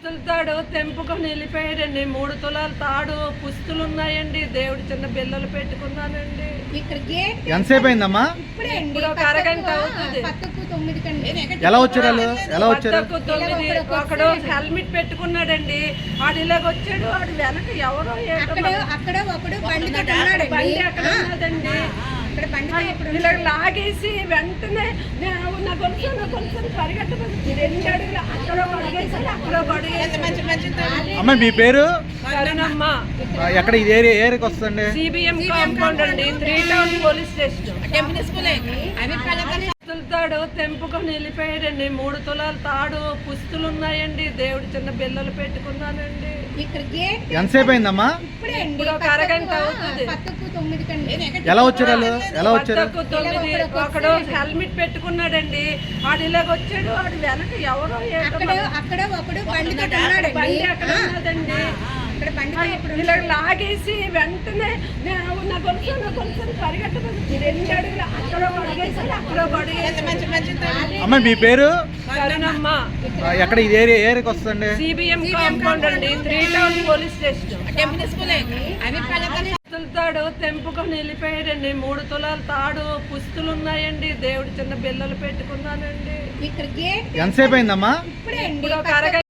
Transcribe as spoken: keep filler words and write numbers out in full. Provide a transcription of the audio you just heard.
పుస్తుల తాడు తెంపుకొని వెళ్ళిపోయాడండి. మూడు తులాల తాడు పుస్తులు ఉన్నాయండి. దేవుడు చిన్న బిల్లలు పెట్టుకున్నానండి. ఇక్కడ గేట్ ఎంతసేపు అయిందమ్మా? ఇప్పుడే అండి, ఇప్పుడు ఒక అరగంట అవుతుంది. పక్కకు తొమ్మిది కండి. ఎలా వచ్చారు వాళ్ళు? ఎలా వచ్చారు? పద్దకు తొమ్మిది ఒకడు హెల్మెట్ పెట్టుకున్నాడండి. ఆడు ఇలాగ వచ్చాడు. ఆడు వెనక ఎవరో ఏంటో అక్కడ మరి అక్కడ ఒకడు బండితో ఉన్నాడండి. బండి అక్కడ ఉన్నదండి. అక్కడ బండితో ఒకడు ఇలా లాగేసి వెంటనే నేను నా గొలుసు నా గొలుసు పరిగెట్టబడి రెండు అడుగులు అక్కడ అడిగేసాడు, అక్కడ అడిగేసాడు. అమ్మ మీ పేరు? కరుణమ్మ. ఆ, ఎక్కడ ఇది ఏరియా ఏరియాకి వస్తుందండి? సిబిఎం కాంపౌండ్ అండి, త్రీ టౌన్ పోలీస్ స్టేషన్. పుస్తుల తాడు తెంపుకొని వెళ్ళిపోయాడండి. మూడు తులాల తాడు పుస్తులు ఉన్నాయండి. దేవుడు చిన్న బిల్లలు పెట్టుకున్నానండి. ఇక్కడ గేట్ ఎంతసేపు అయిందమ్మా? ఇప్పుడే అండి, ఇప్పుడు ఒక అరగంట అవుతుంది. పక్కకు తొమ్మిది కండి. ఎలా వచ్చారు వాళ్ళు? ఎలా వచ్చారు? పద్దకు తొమ్మిది ఒకడు హెల్మెట్ పెట్టుకున్నాడండి. ఆడు ఇలాగ వచ్చాడు. ఆడు వెనక ఎవరో ఏంటో అక్కడ మరి అక్కడ ఒకడు బండితో ఉన్నాడండి. బండి అక్కడ ఉన్నదండి. అక్కడ బండితో ఒకడు ఇలా లాగేసి వెంటనే నేను నా గొలుసు నా గొలుసు పరిగెట్టబడి రెండు అడుగులు అక్కడ అడిగేసాడు, అక్కడ అడిగేసాడు. అమ్మ మీ పేరు? కరుణమ్మ. ఆ, ఎక్కడ ఇది ఏరియా ఏరియాకి వస్తుందండి? సిబిఎం కాంపౌండ్ అండి, త్రీ టౌన్ పోలీస్ స్టేషన్. పుస్తుల తాడు తెంపుకొని వెళ్ళిపోయాడండి. మూడు తులాల తాడు పుస్తులు ఉన్నాయండి. దేవుడు చిన్న బిల్లలు పెట్టుకున్నానండి. ఇక్కడ గేట్ ఎంతసేపు అయిందమ్మా? ఇప్పుడే అండి, ఇప్పుడు ఒక అరగంట